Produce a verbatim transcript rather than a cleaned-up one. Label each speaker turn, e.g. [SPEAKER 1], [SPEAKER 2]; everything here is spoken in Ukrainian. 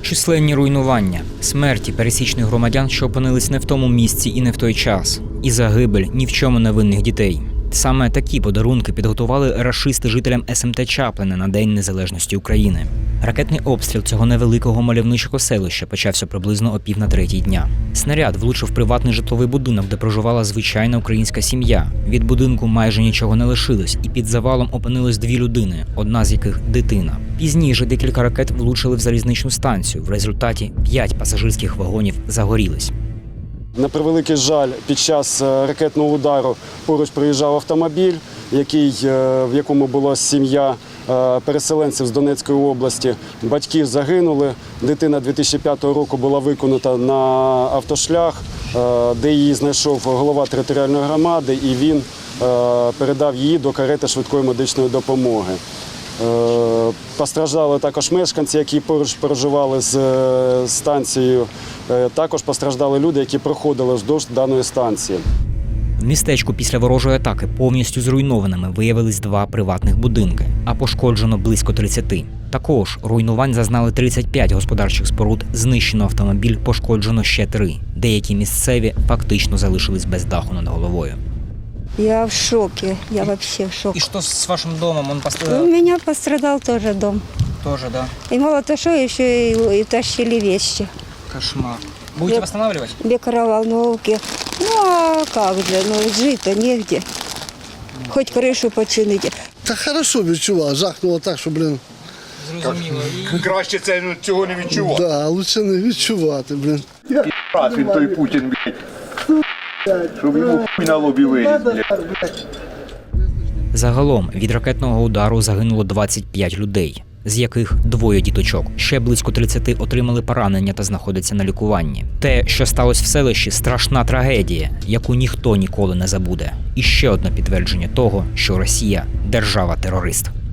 [SPEAKER 1] Численні руйнування, смерті пересічних громадян, що опинились не в тому місці і не в той час, і загибель ні в чому невинних дітей. Саме такі подарунки підготували рашисти жителям ес ем те Чаплине на День Незалежності України. Ракетний обстріл цього невеликого мальовничого селища почався приблизно о пів на третій дня. Снаряд влучив приватний житловий будинок, де проживала звичайна українська сім'я. Від будинку майже нічого не лишилось, і під завалом опинилось дві людини, одна з яких – дитина. Пізніше декілька ракет влучили в залізничну станцію. В результаті п'ять пасажирських вагонів загорілись.
[SPEAKER 2] На превеликий жаль, під час ракетного удару поруч проїжджав автомобіль, який, в якому була сім'я переселенців з Донецької області. Батьки загинули. Дитина дві тисячі п'ятого року була викинута на автошлях, де її знайшов голова територіальної громади, і він передав її до карети швидкої медичної допомоги. Постраждали також мешканці, які поруч проживали з станцією. Також постраждали люди, які проходили вздовж даної станції.
[SPEAKER 1] В містечку після ворожої атаки повністю зруйнованими виявились два приватних будинки, а пошкоджено близько тридцяти. Також руйнувань зазнали тридцять п'ять господарчих споруд, знищено автомобіль, пошкоджено ще три. Деякі місцеві фактично залишились без даху над головою.
[SPEAKER 3] Я в шоке, я вообще в шоке.
[SPEAKER 1] И что с вашим домом? Он
[SPEAKER 3] У
[SPEAKER 1] пострадал?
[SPEAKER 3] меня пострадал тоже дом.
[SPEAKER 1] Тоже, да.
[SPEAKER 3] И мало того, что еще и, и тащили вещи.
[SPEAKER 1] Кошмар. Будете
[SPEAKER 3] Я-
[SPEAKER 1] восстанавливать?
[SPEAKER 3] Микроволновки. Ну а как же, ну жить-то негде. Хоть крышу починить.
[SPEAKER 4] Та хорошо відчував, жахнуло так, що, блін,
[SPEAKER 1] Зрозуміло.
[SPEAKER 5] Краще це ну, цього не відчувати.
[SPEAKER 4] да, лучше не відчувати, блін.
[SPEAKER 5] Раз він той Путін, блядь. Щоб йому хуй на лобі виліз, блядь.
[SPEAKER 1] Загалом від ракетного удару загинуло двадцять п'ять людей, з яких двоє діточок. Ще близько тридцяти отримали поранення та знаходяться на лікуванні. Те, що сталося в селищі – страшна трагедія, яку ніхто ніколи не забуде. І ще одне підтвердження того, що Росія – держава-терорист.